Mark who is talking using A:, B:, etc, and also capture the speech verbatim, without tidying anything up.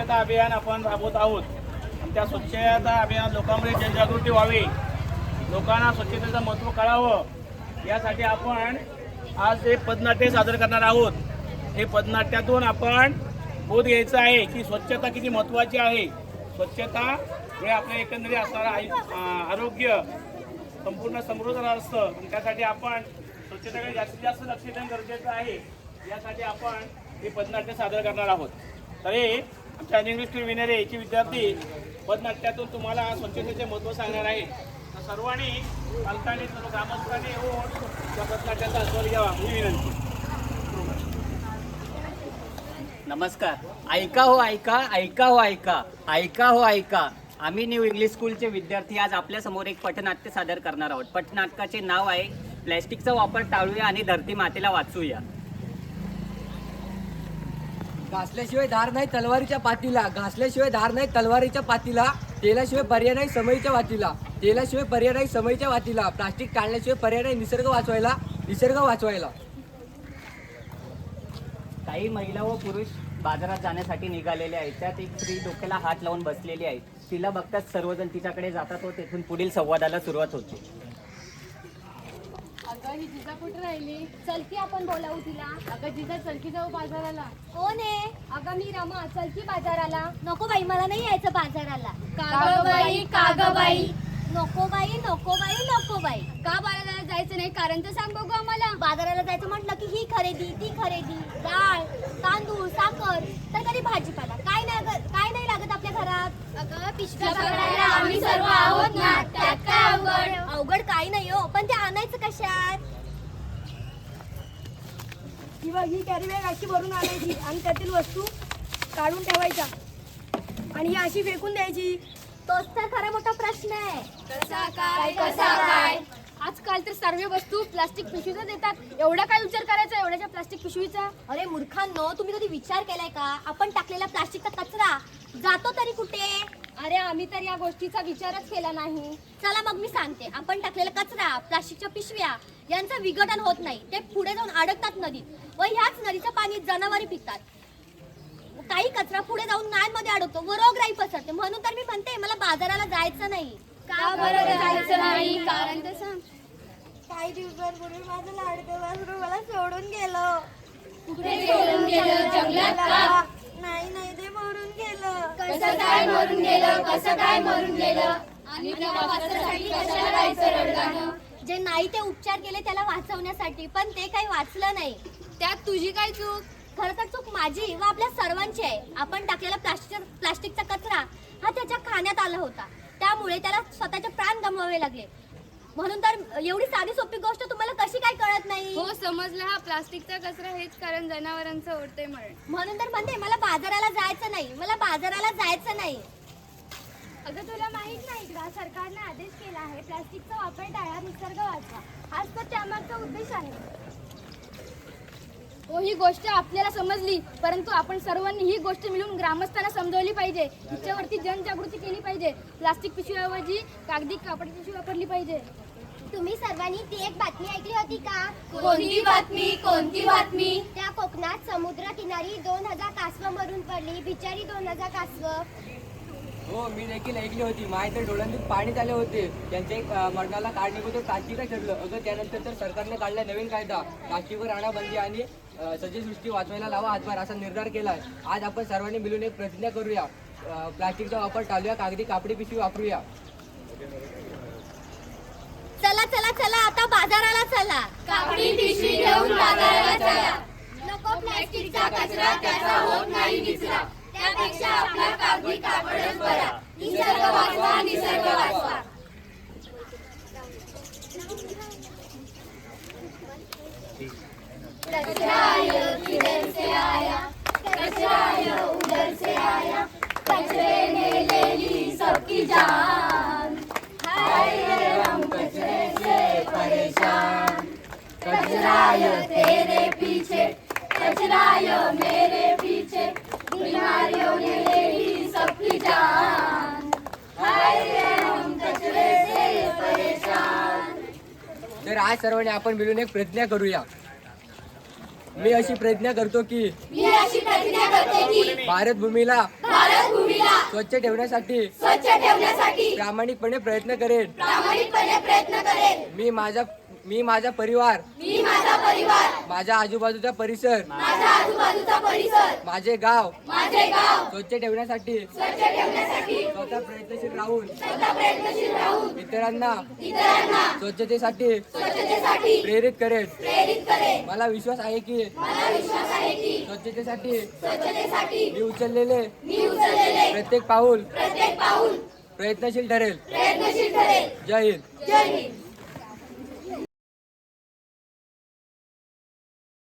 A: स्वच्छता अभियान आपण राबवत आहोत. त्या स्वच्छता अभियान लोकांमध्ये जनजागृती व्हावी, लोकांना स्वच्छतेचं महत्त्व कळावं यासाठी आपण आज हे पथनाट्य सादर करणार आहोत. हे पथनाट्यातून आपण बोध घ्यायचा आहे की स्वच्छता किती महत्त्वाची आहे. स्वच्छता हे आपल्या एकंदरीत असणारं आरोग्य संपूर्ण समृद्ध असतं. त्यासाठी आपण स्वच्छतेकडे जास्तीत जास्त लक्ष देणं गरजेचं आहे. यासाठी आपण हे पथनाट्य सादर करणार आहोत. तर हे आमच्या इंग्लिश स्कूल विनरे याचे विद्यार्थी पथनाट्यातून तुम्हाला स्वच्छतेचे महत्त्व सांगणार आहे. तर सर्वांनी पालकांनी सर्व ग्रामस्थांनी येऊन त्या पथनाट्याचा आस्वाद घ्यावा ही विनंती.
B: नमस्कार. ऐका हो ऐका ऐका हो ऐका ऐका हो ऐका आम्ही न्यू इंग्लिश स्कूलचे विद्यार्थी आज आपल्यासमोर एक पथनाट्य सादर करणार आहोत. पथनाटकाचे नाव आहे प्लॅस्टिकचा वापर टाळूया आणि धरती मातेला वाचूया.
C: घासल्याशिवाय धार नाही तलवारीच्या पातीला, घासल्याशिवाय धार नाही तलवारीच्या पातीला, तेलाशिवाय पर्याय नाही समईच्या वातीला, तेलाशिवाय पर्याय नाही समईच्या वातीला, प्लास्टिक टाळण्याशिवाय पर्याय नाही निसर्ग वाचवायला, निसर्ग वाचवायला.
B: काही महिला व पुरुष बाजारात जाण्यासाठी निघालेले आहेत. त्यात एक स्त्री डोक्याला हात लावून बसलेली आहे. तिला बघताच सर्वजण तिच्याकडे जातात व तेथून पुढील संवादाला सुरुवात होते.
D: अगं ही जिजा कुठे राहिली? चल की आपण बोलावू तिला. अगं जिजा चल की जाऊ बाजाराला.
E: कोण आहे?
D: अगं मी रमा, चल की बाजाराला.
E: नको बाई, मला नाही यायचं बाजाराला.
D: काग बाई काग बाई.
E: नको बाई नको बाई नको बाई.
D: का बाजाराला जायचं नाही? कारण तर सांग बघू आम्हाला.
E: बाजाराला जायचं म्हटलं की ही खरेदी ती खरेदी, डाळ तांदूळ साखर तर कधी भाजीपाला काय नाही काय नाही लागत आपल्या घरात.
D: अगं पिशव्या पकडायला आम्ही सर्व आहोत ना, त्यात काय अवघड?
E: अवघड काही नाही हो, पण ते आणायचं कशात?
F: किंवा ही कॅरी बॅग अशी भरून आणायची आणि त्यातील वस्तू काढून ठेवायच्या आणि ही अशी फेकून द्यायची.
E: तोच तर खरा मोठा प्रश्न आहे.
D: कसा काय कसा काय? आजकाल तर सर्व वस्तू प्लास्टिक पिशवीचा देतात. एवढा काय विचार करायचा एवढ्याच्या प्लास्टिक पिशवीचा?
E: अरे मूर्खांनो, तुम्ही कधी विचार केलाय का आपण टाकलेला प्लास्टिकचा कचरा जातो तरी कुठे?
D: अरे आम्ही तर या गोष्टीचा विचारच केला नाही.
E: चला मग मी सांगते. आपण टाकलेला कचरा प्लास्टिकच्या पिशव्या यांचं विघटन होत नाही. ते पुढे जाऊन अडकतात नदीत व ह्याच नदीचं पाणी जनावरी पिकतात. काही कचरा पुढे जाऊन नाल्यांमध्ये अडकतो व रोगराई पसरते. म्हणून तर मी म्हणते मला बाजाराला जायचं नाही.
D: का बरं जायचं नाही? कारण तर सांग.
F: काही दिवसांपूर्वी माझं लाडकं वासरू मला सोडून गेलं.
D: कुठे सोडून गेलं? जंगलात का?
F: नाही नाही ते मरून गेलं.
D: कसं काय मरून गेलं? कसं काय मरून गेलं? आणि त्या वाचण्यासाठी कशाला जायचं रडगाणं?
E: जे नाही ते उपचार केले त्याला वाचवण्यासाठी, पण ते काही वाचलं नाही.
D: त्यात तुझी काय चूक?
E: खरं तर चूक माझी व आपल्या सर्वांची आहे. आपण टाकलेला प्लास्टिक प्लास्टिकचा कचरा हा त्याच्या खाण्यात आला होता. त्यामुळे त्याला स्वतःचे प्राण गमवावे लागले. म्हणून तर एवढी साधी सोपी गोष्ट तुम्हाला कशी काय कळत नाही?
D: हो समजलं. हा प्लास्टिकचा कचरा हेच कारण जनावरांचं ओढते मरण.
E: म्हणून तर म्हणते मला बाजाराला जायचं नाही, मला बाजाराला जायचं नाही.
F: अगं तुला माहित नाही का सरकारने आदेश केला आहे प्लास्टिकचा वापर टाळा निसर्ग वाचवा. हाच तर त्यामागचा उद्देश आहे.
D: हो ही गोष्ट आपल्याला समजली, परंतु आपण सर्वांनी ही गोष्ट मिळून ग्रामस्थांना समजवली पाहिजे. हिच्यावरती जनजागृती केली पाहिजे. प्लास्टिक पिशवीऐवजी कागदी कापडी पिशवी वापरली पाहिजे.
E: तुम्ही सर्वांनी ती एक बातमी ऐकली होती का?
D: कोणती बातमी? कोणती बातमी?
E: त्या कोकणात समुद्र किनारी दोन हजार कासव मरून पडली. बिचारी दोन हजार कासव.
C: हो मी देखील ऐकली होती. माझ्या तर डोळ्यांतून पाणी झाले होते. त्यांच्या एक अं, मरणाला कारणीभूत प्लास्टिकच ठरलं. अगं त्यानंतर तर सरकारने काढला नवीन कायदा प्लास्टिकवर आणा-बंदी आणि अं, सजीवसृष्टी वाचवायला लावा हातभार असा निर्धार केला. आज आपण सर्वांनी मिळून एक प्रतिज्ञा करूया. अं, प्लास्टिकचा वापर टाळूया, कागदी कापडी पिशवी वापरूया.
E: चला चला चला आता बाजाराला चला.
D: कापडी पिशवी घेऊन बाजाराला चला.
E: नको
D: प्लास्टिकचा कचरा त्याचा होत नाही निचरा. त्यापेक्षा आपला कागदी कापडच बरा. निसर्ग वाचवा, निसर्ग वाचवा. कचरा किधर से आया, कचरा उधर से आया, कचरे ने ले ली सबकी जान. हाय रे हम कचरे से परेशान. कचरा तेरे पीछे, कचरा मेरे पीछे, बीमारियों ने ले ली सबकी जान. हाय रे हम कचरे से परेशान.
C: तर आज सर्वांनी आपण मिळून एक प्रतिज्ञा करूया. मी अशी प्रतिज्ञा करतो की
E: मी अशी प्रतिज्ञा करते की
C: भारत भूमीला
E: भारत भूमीला
C: स्वच्छ ठेवण्यासाठी
E: स्वच्छ ठेवण्यासाठी
C: प्रामाणिकपणे प्रयत्न करेन.
E: प्रामाणिकपणे प्रयत्न करेन.
C: मी माझा मी माझा परिवार,
E: मी माझा परिवार,
C: माझ्या आजूबाजूचा परिसर,
E: माझा आजूबाजूचा परिसर,
C: माझे गाव
E: माझे गाव
C: स्वच्छ ठेवण्यासाठी
E: स्वच्छ ठेवण्यासाठी
C: स्वतः प्रयत्नशील राहून
E: स्वतः प्रयत्नशील राहून
C: इतरांना
E: इतरांना
C: स्वच्छतेसाठी
E: स्वच्छतेसाठी
C: प्रेरित करेन.
E: प्रेरित करेन.
C: मला विश्वास आहे की
E: मला विश्वास आहे की
C: स्वच्छतेसाठी
E: स्वच्छतेसाठी
C: मी उचललेले
E: मी उचललेले
C: प्रत्येक पाऊल
E: प्रत्येक पाऊल
C: प्रयत्नशील ठरेल.
E: प्रयत्नशील ठरेल.
C: जय हिंद.
E: जय हिंद.